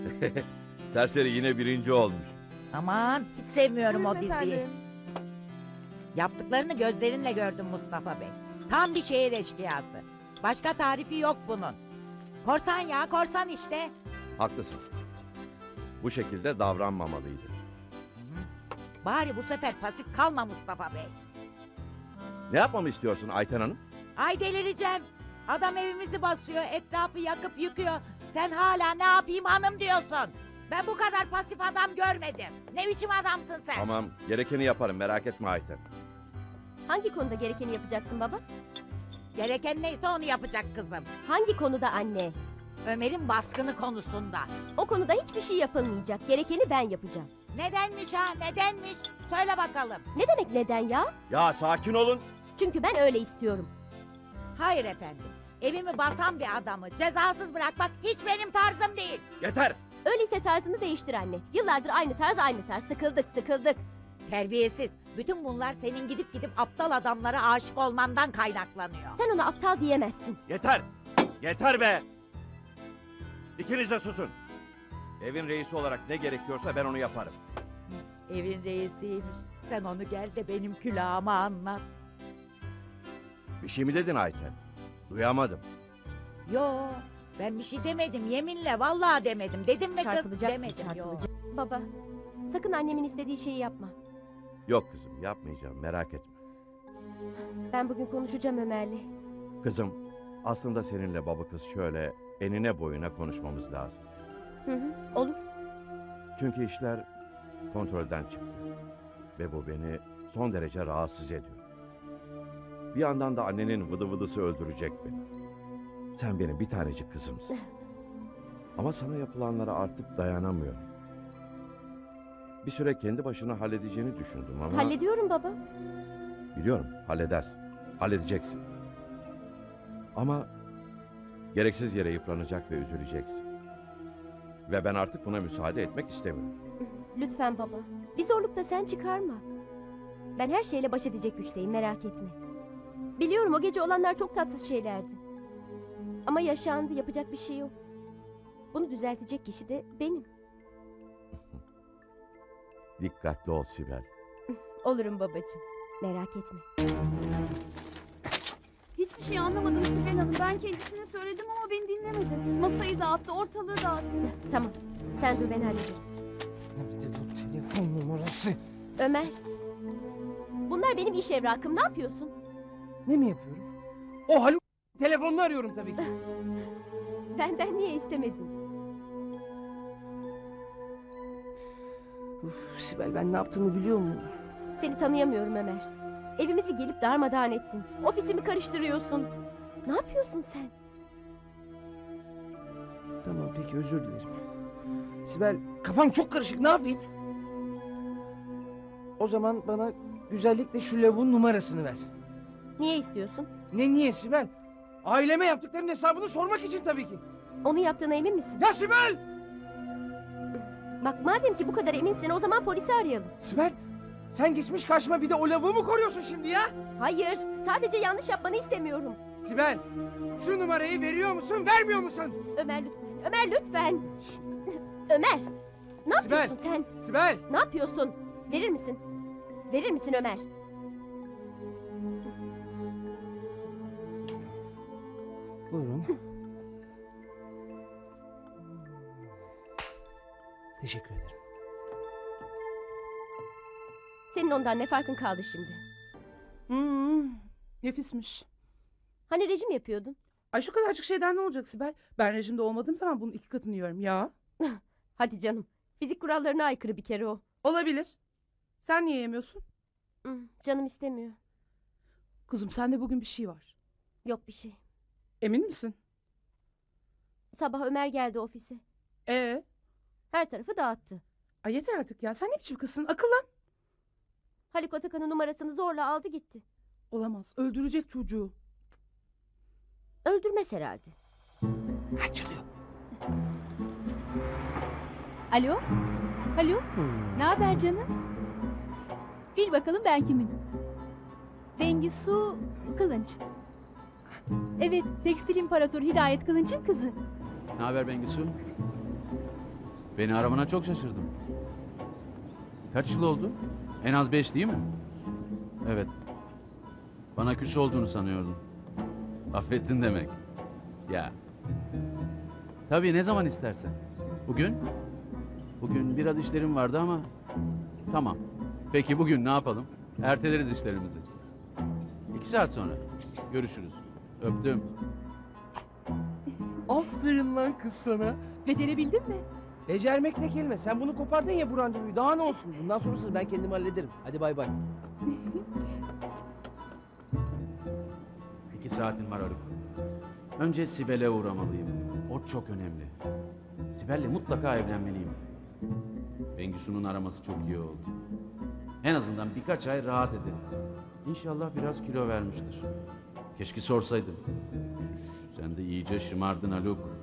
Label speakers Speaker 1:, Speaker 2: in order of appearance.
Speaker 1: Serseri yine birinci olmuş.
Speaker 2: Aman hiç sevmiyorum o
Speaker 3: Buyurun
Speaker 2: diziyi.
Speaker 3: efendim.
Speaker 2: Yaptıklarını gözlerinle gördüm Mustafa Bey. Tam bir şehir eşkıyası. Başka tarifi yok bunun. Korsan ya, korsan işte.
Speaker 1: Haklısın. Bu şekilde davranmamalıydı.
Speaker 2: Bari bu sefer pasif kalma Mustafa Bey.
Speaker 1: Ne yapmamı istiyorsun Ayten Hanım?
Speaker 2: Ay delireceğim. Adam evimizi basıyor, etrafı yakıp yıkıyor. Sen hala ne yapayım hanım diyorsun. Ben bu kadar pasif adam görmedim. Ne biçim adamsın sen?
Speaker 1: Tamam, gerekeni yaparım, merak etme Ayten.
Speaker 3: Hangi konuda gerekeni yapacaksın baba?
Speaker 2: Gereken neyse onu yapacak kızım.
Speaker 3: Hangi konuda anne?
Speaker 2: Ömer'in baskını konusunda.
Speaker 3: O konuda hiçbir şey yapılmayacak. Gerekeni ben yapacağım.
Speaker 2: Nedenmiş ha, nedenmiş? Söyle bakalım.
Speaker 3: Ne demek neden ya?
Speaker 1: Ya sakin olun.
Speaker 3: Çünkü ben öyle istiyorum.
Speaker 2: Hayır efendim. Evimi basan bir adamı cezasız bırakmak hiç benim tarzım değil.
Speaker 1: Yeter.
Speaker 3: Öyleyse tarzını değiştir anne. Yıllardır aynı tarz. Sıkıldık.
Speaker 2: Terbiyesiz. Bütün bunlar senin gidip aptal adamlara aşık olmandan kaynaklanıyor.
Speaker 3: Sen ona aptal diyemezsin.
Speaker 1: Yeter. Yeter be. İkiniz de susun. Evin reisi olarak ne gerekiyorsa ben onu yaparım.
Speaker 2: Evin reisiymiş. Sen onu gel de benim külahıma anlat.
Speaker 1: Bir şey mi dedin Ayten? Duyamadım.
Speaker 2: Yo, ben bir şey demedim. Yeminle vallahi demedim. Dedim mi kız?
Speaker 3: Çarpılacaksın,
Speaker 2: Demedim. Yo.
Speaker 3: çarpılacaksın. Baba, sakın annemin istediği şeyi yapma.
Speaker 1: Yok kızım, yapmayacağım, merak etme.
Speaker 3: Ben bugün konuşacağım Ömer'le.
Speaker 1: Kızım, aslında seninle baba kız şöyle enine boyuna konuşmamız lazım.
Speaker 3: Olur.
Speaker 1: Çünkü işler kontrolden çıktı. Ve bu beni son derece rahatsız ediyor. Bir yandan da annenin vıdı vıdısı öldürecek beni. Sen benim bir tanecik kızımsın. Ama sana yapılanlara artık dayanamıyorum. Bir süre kendi başına halledeceğini düşündüm ama...
Speaker 3: Hallediyorum baba.
Speaker 1: Biliyorum, halledersin. Halledeceksin. Ama gereksiz yere yıpranacak ve üzüleceksin. Ve ben artık buna müsaade etmek istemiyorum.
Speaker 3: Lütfen baba. Bir zorluk da sen çıkarma. Ben her şeyle baş edecek güçteyim, merak etme. Biliyorum o gece olanlar çok tatsız şeylerdi. Ama yaşandı, yapacak bir şey yok. Bunu düzeltecek kişi de benim.
Speaker 1: Dikkatli ol Sibel.
Speaker 3: Olurum babacığım. Merak etme.
Speaker 4: Hiçbir şey anlamadım Sibel Hanım. Ben kendisine söyledim ama beni dinlemedi. Masayı dağıttı, ortalığı dağıttı.
Speaker 3: Tamam. Sen dur, ben hallederim.
Speaker 5: Nerede bu telefon numarası?
Speaker 3: Ömer. Bunlar benim iş evrakım. Ne yapıyorsun?
Speaker 5: Ne mi yapıyorum? O Haluk telefonunu arıyorum tabii ki.
Speaker 3: Benden niye istemedin?
Speaker 5: Uf, Sibel ben ne yaptığımı biliyor muyum?
Speaker 3: Seni tanıyamıyorum Ömer. Evimizi gelip darmadağın ettin. Ofisimi karıştırıyorsun. Ne yapıyorsun sen?
Speaker 5: Tamam peki özür dilerim. Sibel kafam çok karışık ne yapayım? O zaman bana güzellikle şu lavuğun numarasını ver.
Speaker 3: Niye istiyorsun?
Speaker 5: Niye Sibel? Aileme yaptıklarının hesabını sormak için tabii ki.
Speaker 3: Onu yaptığına emin misin?
Speaker 5: Ya Sibel!
Speaker 3: Bak madem ki bu kadar eminsin o zaman polisi arayalım.
Speaker 5: Sibel sen geçmiş karşıma bir de o lavuğu mu koruyorsun şimdi ya?
Speaker 3: Hayır, sadece yanlış yapmanı istemiyorum.
Speaker 5: Sibel şu numarayı veriyor musun vermiyor musun?
Speaker 3: Ömer lütfen, Ömer lütfen. Ömer, ne
Speaker 5: Sibel.
Speaker 3: yapıyorsun sen?
Speaker 5: Sibel!
Speaker 3: Ne yapıyorsun? Verir misin? Verir misin Ömer?
Speaker 5: Buyurun. Teşekkür ederim.
Speaker 3: Senin ondan ne farkın kaldı şimdi?
Speaker 6: Nefismiş.
Speaker 3: Hani rejim yapıyordun?
Speaker 6: Ay şu kadarcık şeyden ne olacak Sibel? Ben rejimde olmadığım zaman bunun 2 katını yiyorum ya.
Speaker 3: Hadi canım. Fizik kurallarına aykırı bir kere o.
Speaker 6: Olabilir. Sen niye yemiyorsun?
Speaker 3: Canım istemiyor.
Speaker 6: Kuzum sende bugün bir şey var.
Speaker 3: Yok bir şey.
Speaker 6: Emin misin?
Speaker 3: Sabah Ömer geldi ofise.
Speaker 6: Her
Speaker 3: tarafı dağıttı.
Speaker 6: Ay yeter artık ya. Sen ne biçim kızsın? Akıllan.
Speaker 3: Haluk Atakan'ın numarasını zorla aldı gitti.
Speaker 6: Olamaz. Öldürecek çocuğu.
Speaker 3: Öldürmez herhalde.
Speaker 5: Açılıyor.
Speaker 4: Alo? Alo? Ne haber canım? Bil bakalım ben kimim? Bengisu Kılınç. Evet, Tekstil İmparatoru Hidayet Kılınç'ın kızı.
Speaker 7: Ne haber Bengisu? Beni aramana çok şaşırdım. Kaç yıl oldu? En az 5 değil mi? Evet. Bana küs olduğunu sanıyordum. Affettin demek. Ya. Tabii ne zaman istersen. Bugün? Bugün biraz işlerim vardı ama... Tamam. Peki bugün ne yapalım? Erteleriz işlerimizi. 2 saat sonra. Görüşürüz. Öptüm.
Speaker 5: Aferin lan kız sana.
Speaker 3: Becerebildin mi?
Speaker 5: Becermek ne kelime? Sen bunu kopardın ya bu randevuyu. Daha ne olsun? Bundan sonrasını ben kendim hallederim. Hadi bay bay.
Speaker 7: 2 saatin var Haluk. Önce Sibel'e uğramalıyım. O çok önemli. Sibel'le mutlaka evlenmeliyim. Bengisu'nun araması çok iyi oldu. En azından birkaç ay rahat ederiz. İnşallah biraz kilo vermiştir. Keşke sorsaydım. Sen de iyice şımardın Haluk.